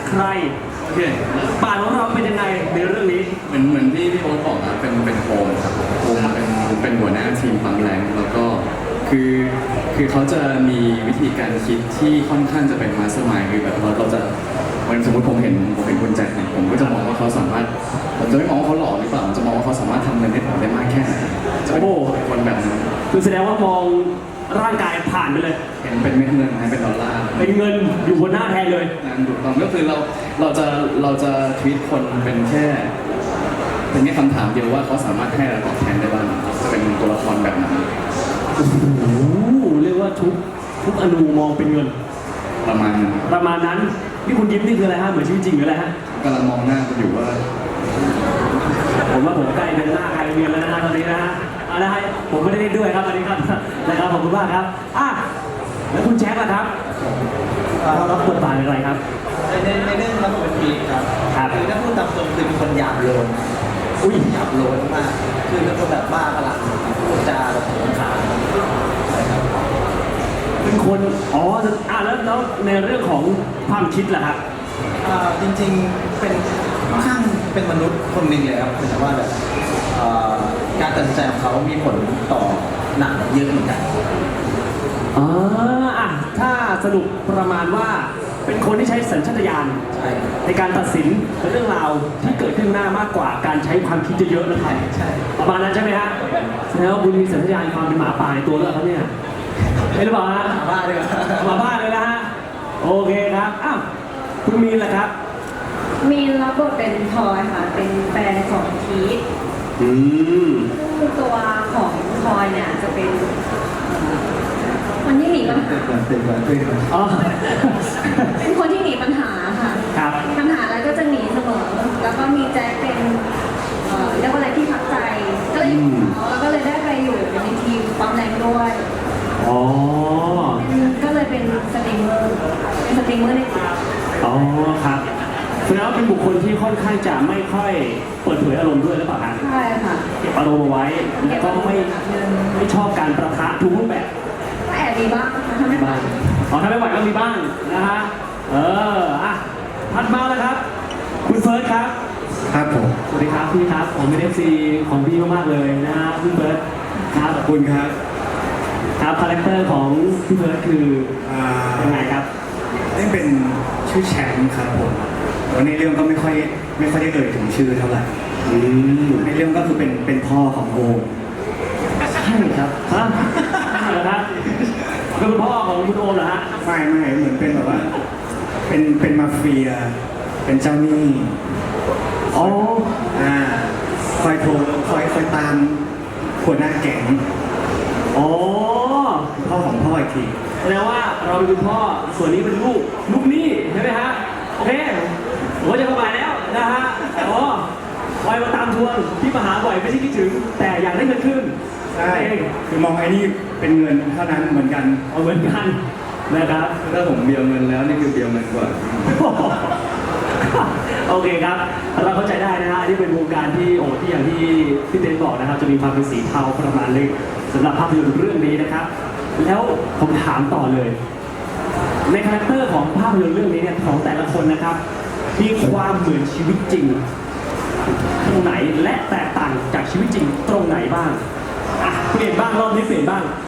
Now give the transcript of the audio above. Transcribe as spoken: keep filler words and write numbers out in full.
ใครโอเคบาทของเราเป็นยังไงในเรื่องนี้เหมือนเหมือนที่พี่โอ๊ตบอกนะเป็นเป็นโฮมครับโฮมเป็นเป็นหัวหน้าทีมปั๊มแรงแล้วก็คือคือเขาจะมีวิธีการคิดที่ค่อนข้างจะเป็นมาสเตอร์มายด์คือแบบเราเราจะวันสมมติผมเห็นผมเห็นคุณแจ็คเนี่ยผมก็จะมองว่าเขาสามารถผมจะไม่มองว่าเขาหล่อหรือเปล่าผมจะมองว่าเขาสามารถทำเงินให้ผมได้มากแค่ไหนจะเป็นคนแบบนั้นคือแสดงว่ามองร่างกายผ่านไปเลยเห็นเป็นเม็ดเงินนะเป็นดอลลาร์เป็นเงินอยู่บนหน้าแทนเลยนั่นถูกต้องก็คือเราเราจะเราจะทวีตคนเป็นแค่เป็นแค่คำถามเดียวว่าเขาสามารถให้อะไรตอบแทนได้บ้างจะเป็นตัวละครแบบนั้นโอ้โหเรียกว่าทุกทุกอนูมองเป็นเงินประมาณนั้นประมาณนั้นนี่คุณยิ้มนี่คืออะไรฮะเหมือนชีวิตจริงหรืออะไรฮะกำลังมองหน้าคุณอยู่ว่าผมว่าผมใกล้เป็นหน้าใครเรียนแล้วนะตอนนี้นะฮะเอาละฮะผมไม่ได้เล่นด้วยครับตอนนี้ครับนะครับขอบคุณมากครับอ่ะแล้วคุณแจ็คล่ะครับเรารับบทบาทอะไรครับในในเรื่องรับบทเป็นพีครับคือถ้าพูดตามตรงคือเป็นคนหยาบโลนอุ้ยหยาบโลนมากคือเป็นคนแบบบ้าพลังพูดจาแบบโผงผางเป็นคนอ๋ออ่ะแล้วแล้วในเรื่องของความคิดล่ะครับอ่าจริงๆเป็นค่อนข้างเป็นมนุษย์คนหนึ่งเลยครับแต่ว่าแบบการตัดสินใจของเขามีผลต่อหนังเยอะเหมือนกันอ๋ออ่ะถ้าสรุปประมาณว่าเป็นคนที่ใช้สัญชาตญาณในการตัดสินเรื่องราวที่เกิดขึ้นหน้ามากกว่าการใช้ความคิดเยอะๆนะครับใช่ประมาณนั้นใช่ไหมฮะแล้วคุณมีสัญชาตญาณความเป็นหมาป่าในตัวเลือกเขาเนี่ยไม่หรือเปล่าฮะหมาบ้าเลยหมาบ้าเลยนะฮะโอเคครับอ้าวคุณมีนล่ะครับมีนรับบทเป็นพลอยค่ะเป็นแฟนของพีทอืมซึ่งตัวของพลอยเนี่ยจะเป็นคนที่หนีปัญหาอ๋อเป็นคนที่หนีปัญหาค่ะครับปัญหาอะไรก็จะหนีเสมอแล้วก็มีแจ็คเป็นเรียกว่าอะไรที่พักใจก็เลยอยู่แล้วก็เลยได้ไปอยู่ในทีมปั๊มแรงด้วยอ๋อก็เลยเป็นสตรีมเมอร์เป็นสตรีมเมอร์ในทีมอ๋อครับแสดงว่าเป็นบุคคลที่ค่อนข้างจะไม่ค่อยเปิดเผยอารมณ์ด้วยหรือเปล่าครับใช่ค่ะเก็บอารมณ์เอาไว้แล้วก็ไม่ไม่ชอบการประทะทุกรูปแบบแอบมีบ้างทำไม่ไหวอ๋อทำไม่ไหวก็มีบ้างนะฮะเอออ่ะถัดมาแล้วครับคุณเฟิร์สครับครับผมสวัสดีครับพี่ครับผมเป็นเอฟซีของพี่มากๆเลยนะฮะคุณเฟิร์สครับขอบคุณครับครับคาแรคเตอร์ของพี่เฟิร์สคือยังไงครับนี่เป็นชื่อแชมป์ครับผมวันในเรื่องก็ไม่ค่อยไม่ค่อยได้เอ่ยถึงชื่อเท่าไหร่ในเรื่องก็คือเป็นเป็นพ่อของโอมใช่ครับฮะเหรอครับเป็นพ่อของคุณโอมเหรอฮะไม่ไม่เหมือนเป็นแบบว่าเป็นเป็นมาเฟียเป็นเจ้าหนี้อ๋ออ่าคอยโทรคอยคอยตามหัวหน้าแก๊งอ๋อพ่อของพ่ออีกทีแสดงว่าเราเป็นคุณพ่อส่วนนี้เป็นลูกลูกหนี้ใช่ไหมฮะโอเคผมจะเข้ามาแล้วนะฮะอ๋อคอยมาตามทวงที่มาหาบ่อยไม่ใช่คิดถึงแต่อยากได้เงินขึ้นใช่คือมองไอ้นี่เป็นเงินเท่านั้นเหมือนกันเอาเหมือนกันนะครับถ้าผมเบียร์เงินแล้วนี่คือเบียร์เงินกว่าโอเคครับเราเข้าใจได้นะฮะนี่เป็นวงการที่โอ้ที่อย่างที่พี่เต้นบอกนะครับจะมีความเป็นสีเทาประมาณนึงสำหรับภาพยนตร์เรื่องนี้นะครับแล้วผมถามต่อเลยในคาแรคเตอร์ของภาพยนตร์เรื่องนี้เนี่ยของแต่ละคนนะครับมีความเหมือนชีวิตจริงตรงไหนและแตกต่างจากชีวิตจริงตรงไหนบ้างอ่ะเปลี่ยนบ้างรอบนี้เปลี่ยนบ้าง